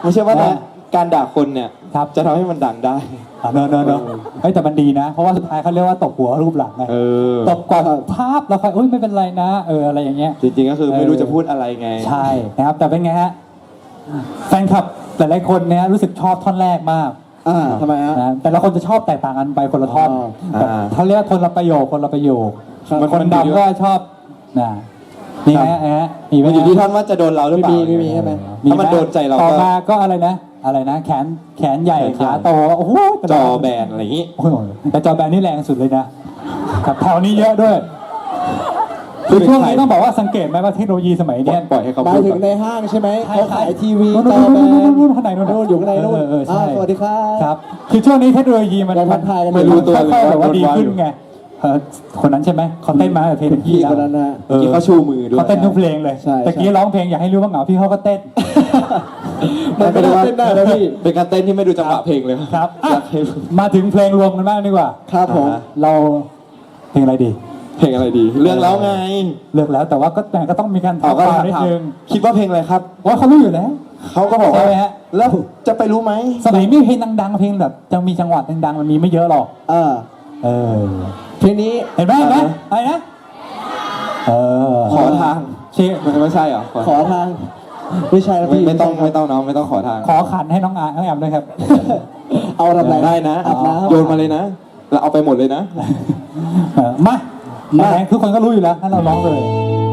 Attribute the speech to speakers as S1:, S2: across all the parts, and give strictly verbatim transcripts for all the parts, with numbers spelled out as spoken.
S1: ไม่ใช่ว่าการด่าคนเนี่ยจะทำให้มันดังได้
S2: เนอะเนอะเนอะเฮ้ยแต่มันดีนะเพราะว่าสุดท้ายเขาเรียกว่าตบหัวรูปหลังไงตบก่อนภาพแล้วค่อยเอ้ยไม่เป็นไรนะเอออะไรอย่างเงี้ย
S1: จริงๆก็คือไม่รู้จะพูดอะไรไง
S2: ใช่นะครับแต่เป็นไงฮะแฟนคลับหลายๆคนเนี่ยรู้สึกชอบท่อนแรกมาก
S3: อ่าทำไมฮะ
S2: แต่ละคนจะชอบแตกต่างกันไปคนละท่อนเขาเรียกว่าคนละประโยคคนละประโยคคนดำก็ชอบนะนี่ฮะฮะ
S1: มันอยู่ที่ท่อนว่าจะโดนเราหรือเปล่า
S3: ไม่มีใช่ไหม
S1: ถ้ามันโดนใจเรา
S2: ต่อมาก็อะไรนะอะไรนะแขนแขนใหญ่ขาโตโอ้โห
S1: จอแบนอะไรอย่างงี้
S2: แต่จอแบนนี่แรงสุดเลยนะครับแถวนี้เยอะด้วยคือช่วงนี้ต้องบอกว่าสังเกตไหมว่าเทคโนโลยีสมัยนี้
S1: ปล่อยให้เขา
S3: หมายถึงในห้างใช่ไหมเขาขายทีวีจอแบน
S2: นู่นข้างในนู่น
S3: อยู่ข้างในนู่นสวัสดีครั
S2: บครับคือช่วงนี้เทคโนโลยีมัน
S3: มัน
S2: ไม่รู้ตัวเลยแบบว่าดีขึ้นไงคนนั้นใช่ไหมเขาเต้นมาแต่เพลงพี่
S3: คนนั้นนะ
S1: เมื่อกี้เขาชูมือด้วย
S2: เขาเต้นทุกเพลงเลยแต่กี้ร้องเพลงอยากให้รู้ว่าเหงาพี่เขาก็เต้น
S3: มันเป็นการเต้นได้แล้วพี่
S1: เป็นการเต้นที่ไม่ดูจังหวะเพลงเลย
S2: ครับมาถึงเพลงรวมกันบ้างดีกว่า
S3: ครับผม
S2: เราเพลงอะไรดี
S1: เพลงอะไรดีเรื่องแล้วไง
S2: เลือกแล้วแต่ว่าก็แต่ก็ต้องมีการ
S1: ถามกันนิดนึงคิดว่าเพลงอะไรครับ
S2: ว่าเขารู้อยู่แล้ว
S1: เขาก็บอกว่าแล้วจะไปรู้ไหม
S2: สมัยนี้เพลงดังๆเพลงแบบจะมีจังหวะดังๆมันมีไม่เยอะหรอก
S3: เออ
S2: เออ
S3: เพลงนี้
S2: เห็นไหมเห็นไหมอะไรนะเออ
S1: ขอทาง
S2: เชื่อ
S1: ไม่ใช่เหรอ
S3: ขอทางไม่ใช่แล้วพี่
S1: ไม่ต้องไม่ต้องน้องไม่ต้องขอทาง
S2: ขอขันให้น้องอาน้องแอมด้วยครับ
S3: เอาทำไร
S1: ได้นะโยนมาเลยนะแล้วเอาไปหมดเลยนะ
S2: มามาแรงทุกคนก็รู้อยู่แล้วถ้าเราร้องเลย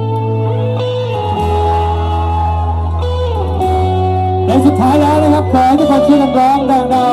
S2: ในสุดท้ายแล้วนะครับขอให้ทุกคนช่วยกันร้องดังๆ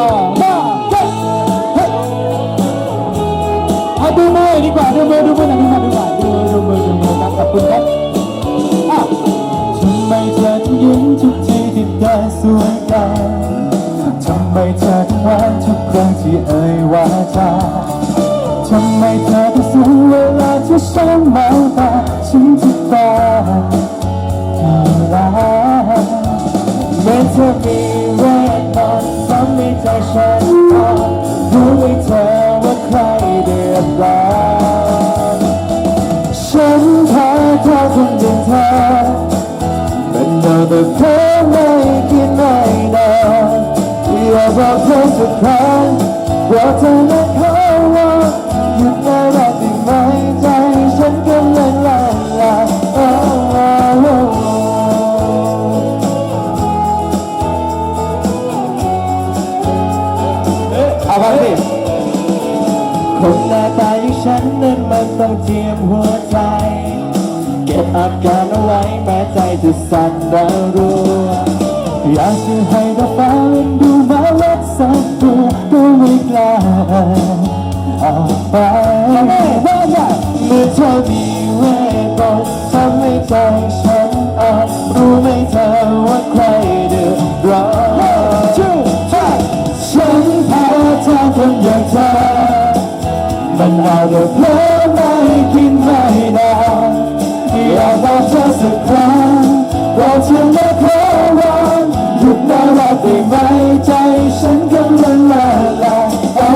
S2: เอาดูมือดีกว่าดูมือดูมือหน่อยดูมือดีกว่าดูมือดูมือดูมือครับขอบคุณครับทำไมเธอถึงยิ้มทุกทีที่ได้สวยงามทำไมเธอถึงหวานทุกครั้งที่เอ่ยวาจาทำไมเธอถึงสูงเวลาที่ฉันมองตาฉันจะตาอีลาเมื่อเธอมีเวทมนต์ทำให้ใจฉันอ่อนรู้ไหมเธอว่าใครเดือดร้อนฉันแพ้เธอคนเดียวเธอเป็นเธอแต่เธอไม่คิดไม่นานอยากบอกเธอสักครั้งบอกเธอและเขาว่าหยุดได้แล้วได้ไหมใจฉันกำลังละลาย
S1: เอาไปสิ
S2: คนหน้าตาอย่างฉันนั้นมันต้องเจียมหัวใจเก็บอาการเอาไว้แม้ใจจะสั่นระรัวอยากจะให้เธอฟังดูมาวัดสักตัวก็ไม่กล้าเอาไปเมื่อเธอมีเวทมนต์ทำให้ใจฉันอ่อนรู้ไหมเธอว่าใครเดือดร้อนฉันแพ้เธอคนอย่างเธอมันเอาแต่เพลินไม่คิดไม่นานอยากบอกเธอสักครั้งบอกเธอไม่ขอร้องหยุดได้แล้วได้ไหมใจฉันกำลังละลายเอา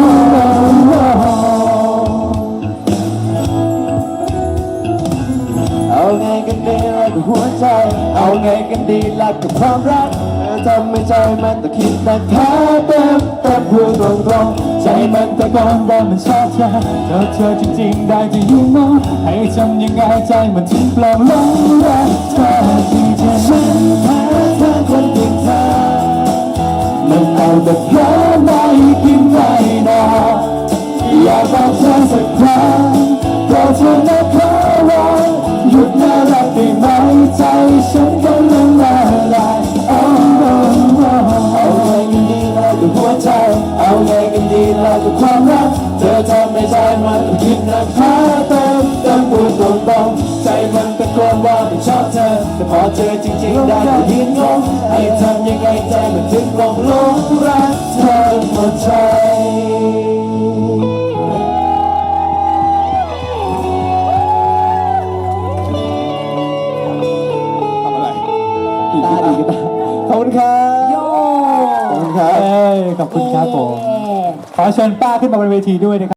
S2: เอาไงกันดีล่ะกับหัวใจเอาไงกันดีล่ะกับความรักทำให้ใจมันต้องคิดแต่แค่เต็มแต่พูดตรงๆใจมันตะโกนว่ามันชอบเธอเธอเธอจริงๆได้จะยิ่งมองให้ทำยังไงใจมันถึงปลงหลงรักเธอที่เธอฉันแพ้เธอคนเดียวเธอมันเอาแต่เพลินไม่คิดไม่นานอยากบอกเธอสักครั้งก็เธอไม่ขอร้องหยุดน่ารักได้ไหมใจฉันกำลังละลายเอาไงกันดีล่ะกับหัวใจเอาไงกันดีล่ะกับความรักเธอทำให้ใจมันต้องคิดหนักหาเติมเติมพูดตรงๆใจมันตะโกนว่ามันชอบเธอแต่พอเจอจริงๆได้ก็ยืนงงให้ทำยังไงใจมันถึงหลงหลงรักเธอหมดใจ
S3: ตาดีกันขอบคุณครับ
S2: ขอบคุณครับขอบคุณครับผมขอเชิญป้าขึ้นมาบนเวทีด้วยนะครับ